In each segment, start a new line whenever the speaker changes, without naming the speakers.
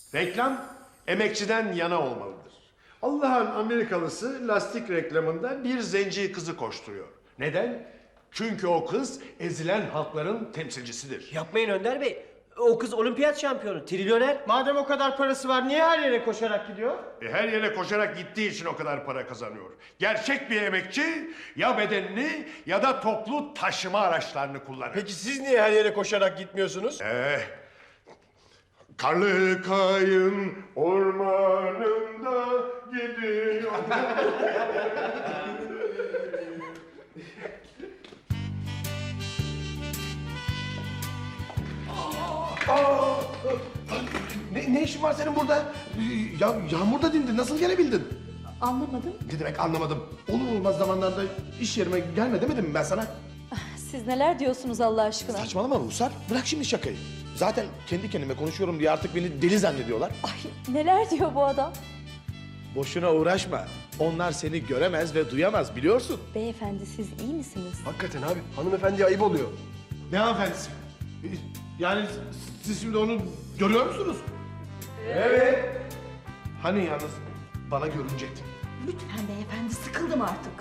Reklam emekçiden yana olmalıdır. Allah'ın Amerikalısı lastik reklamında bir zenci kızı koşturuyor. Neden? Çünkü o kız ezilen halkların temsilcisidir.
Yapmayın Önder Bey. O kız olimpiyat şampiyonu, trilyoner.
Madem o kadar parası var niye her yere koşarak gidiyor?
Her yere koşarak gittiği için o kadar para kazanıyor. Gerçek bir emekçi ya bedenini ya da toplu taşıma araçlarını kullanır.
Peki siz niye her yere koşarak gitmiyorsunuz?
Karlı kayın ormanında gidiyor.
Ne işin var senin burada? Ya yağmurda dindin. Nasıl gelebildin?
Anlamadım.
Ne demek anlamadım. Olur olmaz zamanlarda iş yerime gelme demedim mi ben sana?
Siz neler diyorsunuz Allah aşkına?
Saçmalama Ruhsar. Bırak şimdi şakayı. Zaten kendi kendime konuşuyorum diye artık beni deli zannediyorlar.
Ay neler diyor bu adam?
Boşuna uğraşma. Onlar seni göremez ve duyamaz biliyorsun.
Beyefendi siz iyi misiniz?
Hakikaten abi. Hanımefendiye ayıp oluyor. Ne hanımefendisi? Yani siz şimdi onu görüyor musunuz? Evet. Hani yalnız bana görünecekti.
Lütfen beyefendi sıkıldım artık.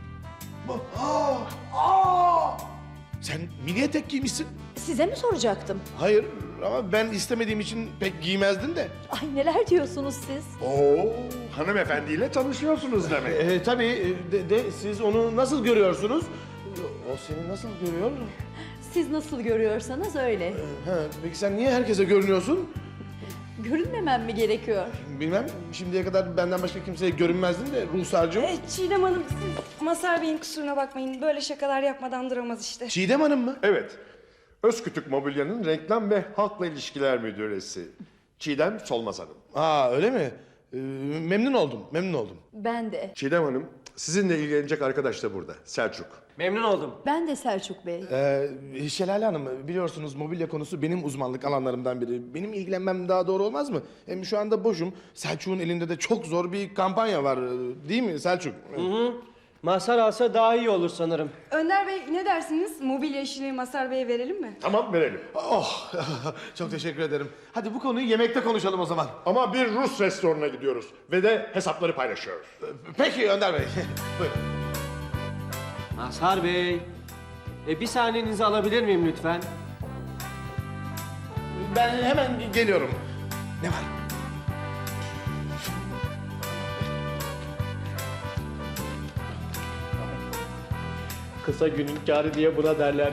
Sen mini etek giymişsin.
Size mi soracaktım?
Hayır ama ben istemediğim için pek giymezdin de.
Ay neler diyorsunuz siz?
Oo, hanımefendiyle tanışıyorsunuz demek.
Tabii siz onu nasıl görüyorsunuz? O seni nasıl görüyor?
Siz nasıl görüyorsanız öyle.
Peki sen niye herkese görünüyorsun?
Görünmemem mi gerekiyor?
Bilmem. Şimdiye kadar benden başka kimseye görünmezdin de Ruhsar'cığım.
Çiğdem Hanım siz Mazhar Bey'in kusuruna bakmayın. Böyle şakalar yapmadan duramaz işte.
Çiğdem Hanım mı?
Evet. Özkütük Mobilya'nın reklam ve halkla ilişkiler müdüresi. Çiğdem Solmaz Hanım.
Öyle mi? Memnun oldum.
Ben de.
Çiğdem Hanım, sizinle ilgilenecek arkadaş da burada. Selçuk.
Memnun oldum.
Ben de Selçuk Bey.
Şelale Hanım biliyorsunuz mobilya konusu benim uzmanlık alanlarımdan biri. Benim ilgilenmem daha doğru olmaz mı? Hem şu anda boşum. Selçuk'un elinde de çok zor bir kampanya var. Değil mi Selçuk?
Mazhar alsa daha iyi olur sanırım.
Önder Bey ne dersiniz? Mobilya işini Mazhar Bey'e verelim mi?
Tamam, verelim.
Oh, çok teşekkür ederim. Hadi bu konuyu yemekte konuşalım o zaman.
Ama bir Rus restoranına gidiyoruz ve de hesapları paylaşıyoruz.
Peki Önder Bey. Buyurun.
Mazhar Bey. Bir saniyenizi alabilir miyim lütfen?
Ben hemen geliyorum. Ne var?
Kısa günün kârı diye buna derler.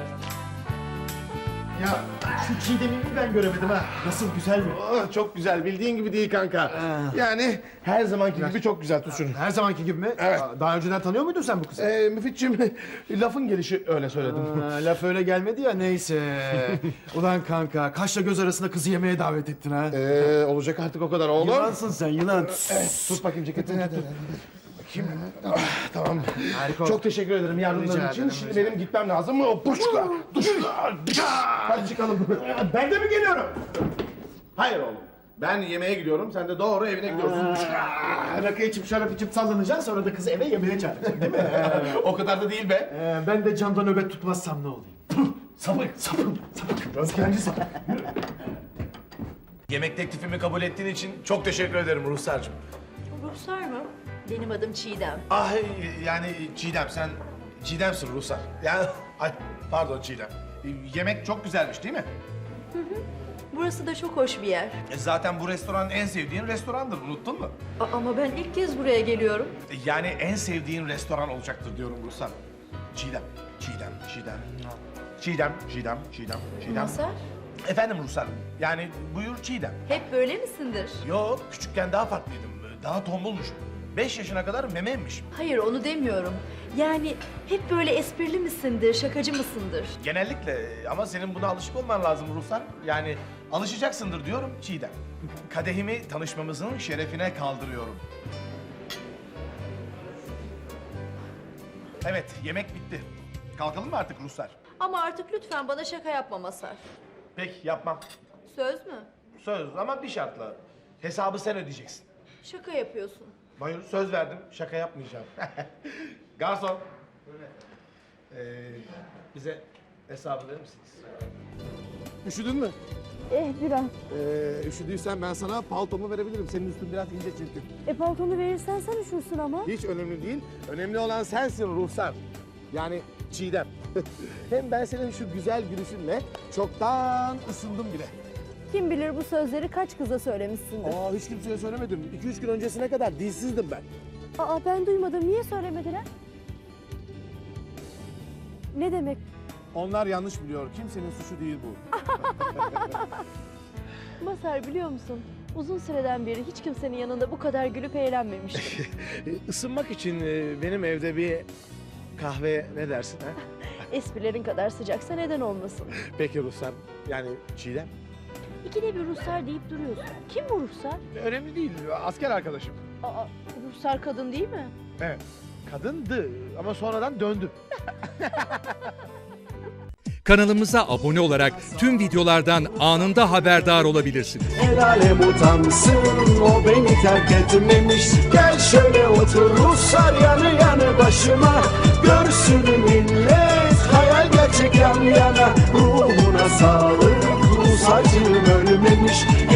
Ya şu Çiğdem'i ben göremedim ha. Nasıl güzel mi?
Çok güzel. Bildiğin gibi değil kanka. Yani her zamanki gibi çok güzel Tuşun.
Her zamanki gibi mi?
Evet.
Daha önceden tanıyor muydun sen bu kızı?
Müfitciğim lafın gelişi öyle söyledim.
Laf öyle gelmedi ya neyse. Ulan kanka kaşla göz arasında kızı yemeğe davet ettin ha.
Olacak artık o kadar oğlum.
Yılansın sen yılan.
Tut bakayım ceketini. Bakayım. Tamam.
Harika.
Çok teşekkür ederim yardımların
Rica
için.
ederim,
Şimdi
rica
benim gitmem lazım mı? Puşka, duşka, hadi çıkalım.
Ben de mi geliyorum?
Hayır oğlum. Ben yemeğe gidiyorum. Sen de doğru evine gidiyorsun.
Rakı içip şarap içip sallanacaksın sonra da kızı eve yemeğe çağıracaksın değil mi?
O kadar da değil be.
Ben de camda nöbet tutmazsam ne olayım? Sapık. Röntgenci sapık.
Yemek teklifimi kabul ettiğin için çok teşekkür ederim Ruhsar'cığım.
Ruhsar mı? Benim adım Çiğdem.
Ay yani Çiğdem sen Çiğdem'sin Ruhsar. Yani ay pardon Çiğdem. Yemek çok güzelmiş değil mi?
Burası da çok hoş bir yer.
Zaten bu restoran en sevdiğin restorandır unuttun mu?
Ama ben ilk kez buraya geliyorum.
Yani en sevdiğin restoran olacaktır diyorum Ruhsar. Çiğdem.
Mazhar,
Efendim Ruhsar. Yani buyur Çiğdem.
hep böyle misindir?
Yok küçükken daha farklıydım. Daha tombulmuşum. 5 yaşına kadar memeymişim.
Hayır onu demiyorum. Yani hep böyle esprili misindir, şakacı mısındır?
Genellikle ama senin buna alışık olman lazım Ruhsar. Yani alışacaksındır diyorum Çiğdem. Kadehimi tanışmamızın şerefine kaldırıyorum. Evet, yemek bitti. Kalkalım mı artık Ruhsar?
Ama artık lütfen bana şaka yapma Mazhar.
Peki, yapmam.
Söz mü?
Söz ama bir şartla. Hesabı sen ödeyeceksin.
Şaka yapıyorsun.
Hayır, söz verdim. Şaka yapmayacağım. Garson. Bize hesabı verir misiniz?
Üşüdün mü?
Biraz.
Üşüdüysen ben sana paltomu verebilirim. Senin üstün biraz ince çünkü.
Paltonu verirsen sen üşürsün ama.
Hiç önemli değil. Önemli olan sensin Ruhsar. Yani Çiğdem. Hem ben senin şu güzel gülüşünle çoktan ısındım bile.
Kim bilir bu sözleri kaç kıza söylemişsindir.
Hiç kimseye söylemedim. 2-3 gün öncesine kadar dilsizdim ben.
Ben duymadım. Niye söylemediler? Ne demek?
Onlar yanlış biliyor. Kimsenin suçu değil bu.
Mazhar biliyor musun? Uzun süreden beri hiç kimsenin yanında bu kadar gülüp eğlenmemiştim.
Isınmak için benim evde bir kahve ne dersin ha?
Esprilerin kadar sıcaksa neden olmasın?
Peki Ruhsar. Yani Çiğdem.
İkide bir Ruhsar deyip duruyorsun. Kim bu Ruhsar?
Önemli değil. Asker arkadaşım.
Ruhsar kadın değil mi?
Evet. Kadındı ama sonradan döndü.
Kanalımıza abone olarak tüm videolardan anında haberdar olabilirsiniz.
El alem utansın, o beni terk etmemiş. Gel şöyle otur Ruslar yanı yanı başıma. Görsün millet, hayal gerçek yan yana. Ruhuna sağlık, Rus acım ölmemiş.